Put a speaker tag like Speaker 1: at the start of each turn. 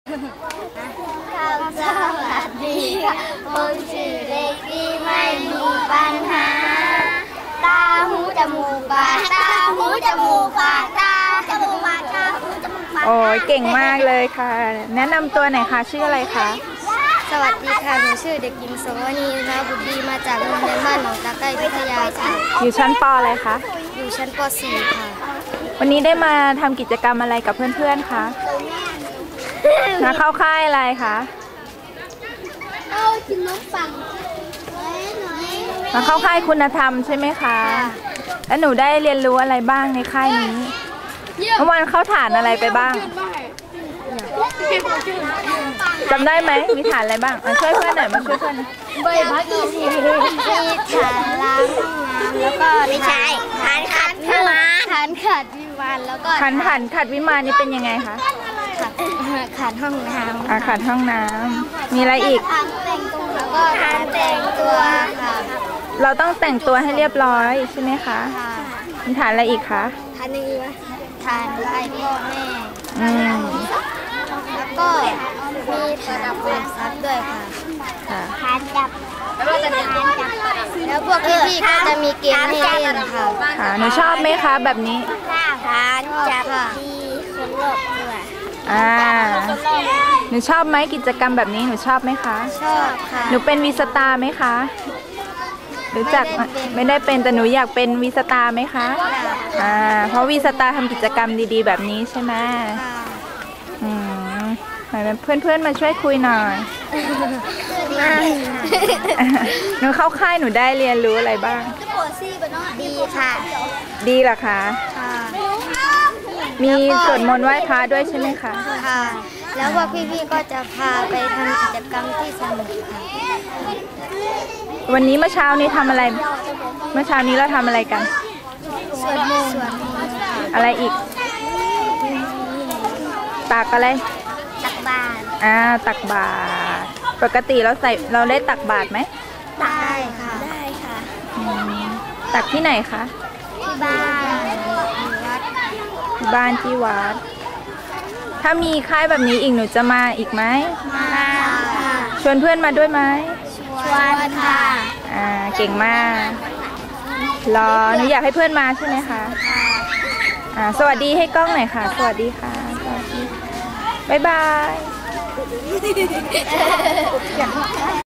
Speaker 1: สวัสดีค่ะผมชื่อเด็กดีไม่มีปัญหาตาหูจมูกปากตาหูจมูกปากตาจมูกปากตาหูจมูกปากโอ้ยเก่งมากเลยค่ะแนะนำตัวหน่อยค่ะชื่ออะไรคะ
Speaker 2: สวัสดีค่ะหนูชื่อเด็กหญิงโสวนีนะบุตรดีมาจากโรงเรียนบ้านหนองตะไคร้วิทยาค่ะ
Speaker 1: อยู่ชั้นป.อะไรคะ
Speaker 2: อยู่ชั้นป.4 ค่ะ
Speaker 1: วันนี้ได้มาทำกิจกรรมอะไรกับเพื่อนๆคะมาเข้าค่ายอะไรคะมาเข้าค่ายคุณธรรมใช่ไหมคะแล้วหนูได้เรียนรู้อะไรบ้างในค่ายนี้เมื่อวานเข้าฐานอะไรไปบ้างจำได้ไหมมีฐานอะไรบ้างช่วยเพื่อนหน่อยมาช่วยเพื่อน
Speaker 2: ใบพัดมีฐานล้างห้องน้ำแล้วก็
Speaker 1: ไม่ใช่ฐานขัดวิมาน
Speaker 2: ฐานขัดวิมานแล้วก็
Speaker 1: ฐานขัดวิมานนี่เป็นยังไงคะ
Speaker 2: ขัดห้องน้ำ
Speaker 1: ขัดห้องน้ำมีอะไรอีก
Speaker 2: แล้วก็ฐานแต่งตัวค่ะ
Speaker 1: เราต้องแต่งตัวให้เรียบร้อยใช่ไหมคะมีฐานอะไรอีกคะ
Speaker 2: ฐานนี้ฐานไหว้พ่อแม่แล้วก็มีฐานความซับด้วยค่ะฐานจับแล้วพวกพี่ๆก็จะมีเกมให้เล่นค่ะ
Speaker 1: หนูชอบไหมคะแบบนี้
Speaker 2: ฐานจับดีคนรอบตัว
Speaker 1: หนูชอบไหมกิจกรรมแบบนี้หนูชอบไหมคะ
Speaker 2: ชอบค่ะ
Speaker 1: หนูเป็นวีสตาร์ไหมคะรู้จักไม่ได้เป็นแต่หนูอยากเป็นวีสตาร์ไหมคะเพราะวีสตาร์ทำกิจกรรมดีๆแบบนี้ใช่ไหมเพื่อนๆมาช่วยคุยหน่อยหนูเข้าค่ายหนูได้เรียนรู้อะไรบ้าง
Speaker 2: ดีค่ะ
Speaker 1: ดีเหรอคะมีสวดมนต์ไหว้พระด้วยใช่ไหมคะ
Speaker 2: ค่ะแล้วพวกพี่ๆก็จะพาไปทำกิจกรรมที่สนุกค่ะ
Speaker 1: วันนี้เมื่อเช้านี้ทำอะไรเมื่อเช้านี้เราทำอะไรกัน
Speaker 2: สวดมนต์
Speaker 1: อะไรอีกตักอะไร
Speaker 2: ตักบาตร
Speaker 1: ตักบาตรปกติเราได้ตักบาตรไหม
Speaker 2: ได้ค่ะได้ค่ะ
Speaker 1: ตักที่ไหนคะ
Speaker 2: ที่บ้าน
Speaker 1: ที่วัดถ้ามีค่ายแบบนี้อีกหนูจะมาอีกไหม
Speaker 2: มาค่ะ
Speaker 1: ชวนเพื่อนมาด้วยไหม
Speaker 2: ชวนค่ะ
Speaker 1: เก่งมากหนูอยากให้เพื่อนมาใช่ไหมคะสวัสดีให้กล้องหน่อยค่ะสวัสดีค่ะสวัสดีบ๊ายบาย